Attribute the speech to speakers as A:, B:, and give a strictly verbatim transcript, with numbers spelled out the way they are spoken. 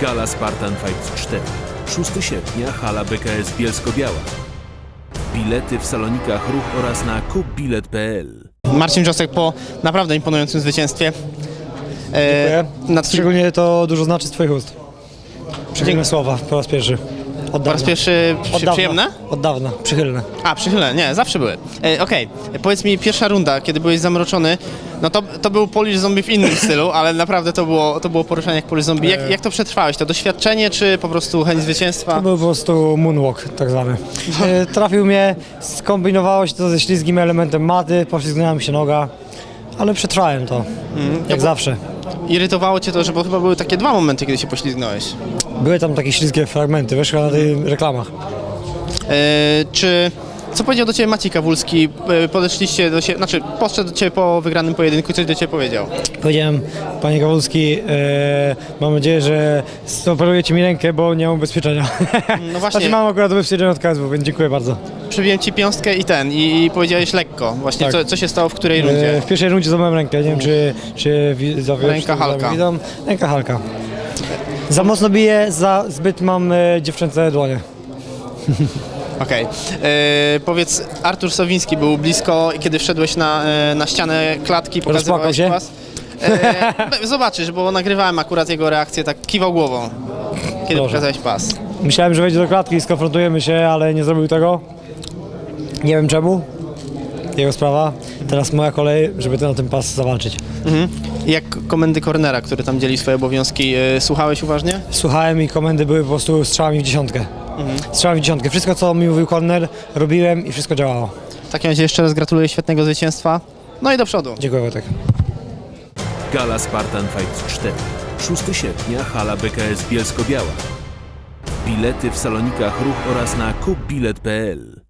A: Gala Spartan Fight cztery. szóstego sierpnia, hala B K S Bielsko-Biała. Bilety w salonikach Ruch oraz na kupbilet kropka p l.
B: Marcin Wrzosek po naprawdę imponującym zwycięstwie.
C: Dziękuję.
B: Nad
C: Szczególnie to dużo znaczy z twoich ust. Przychylne słowa po raz pierwszy. Od
B: po
C: dawna.
B: raz pierwszy przy,
C: Od dawna.
B: przyjemne?
C: Od dawna, przychylne.
B: A, przychylne, nie, zawsze były. E, Okej, powiedz mi, pierwsza runda, kiedy byłeś zamroczony, no to, to był Polish Zombie w innym stylu, ale naprawdę to było, to było poruszanie jak Polish Zombie. Jak, jak to przetrwałeś? To doświadczenie, czy po prostu chęć zwycięstwa?
C: To był po prostu moonwalk tak zwany. E, Trafił mnie, skombinowało się to ze ślizgim elementem maty, poślizgnęła mi się noga, ale przetrwałem to, jak
B: bo-
C: zawsze.
B: Irytowało cię to, że bo chyba były takie dwa momenty, kiedy się poślizgnąłeś.
C: Były tam takie ślizgie fragmenty, wiesz, chyba na tych reklamach.
B: E, czy... Co powiedział do ciebie Maciej Kawulski? E, Podeszliście do siebie, znaczy podszedł do ciebie po wygranym pojedynku i coś do ciebie powiedział.
C: Powiedziałem, panie Kawulski, e, mam nadzieję, że operujecie mi rękę, bo nie mam ubezpieczenia.
B: No właśnie.
C: Znaczy mam akurat ubezpieczenie od K S W, więc dziękuję bardzo.
B: Przybiłem ci piąstkę i ten, i, i powiedziałeś lekko. Właśnie
C: Tak.
B: co, co się stało w której rundzie?
C: E, w pierwszej rundzie złamałem rękę, nie wiem czy, czy widzowie już
B: Ręka
C: to
B: Halka.
C: widzą. Ręka Halka. Za mocno biję, za zbyt mam e, dziewczęce dłonie.
B: Okej. E, Powiedz, Artur Sowiński był blisko, kiedy wszedłeś na, e, na ścianę klatki, pokazywałeś
C: się?
B: pas. E, zobaczysz, bo nagrywałem akurat jego reakcję, tak kiwał głową, kiedy
C: Proszę.
B: pokazałeś pas.
C: Myślałem, że wejdzie do klatki i skonfrontujemy się, ale nie zrobił tego. Nie wiem czemu. Jego sprawa. Teraz moja kolej, żeby ten na ten pas zawalczyć.
B: Mhm. I jak komendy cornera, który tam dzieli swoje obowiązki, e, słuchałeś uważnie?
C: Słuchałem i komendy były po prostu strzałami w dziesiątkę. Strzałami w dziesiątkę. Wszystko co mi mówił corner robiłem i wszystko działało.
B: W takim razie jeszcze raz gratuluję świetnego zwycięstwa. No i do przodu.
C: Dziękuję Wojtek.
A: Gala Spartan Fight cztery. szóstego sierpnia, hala B K S Bielsko-Biała. Bilety w salonikach Ruch oraz na kupbilet kropka p l.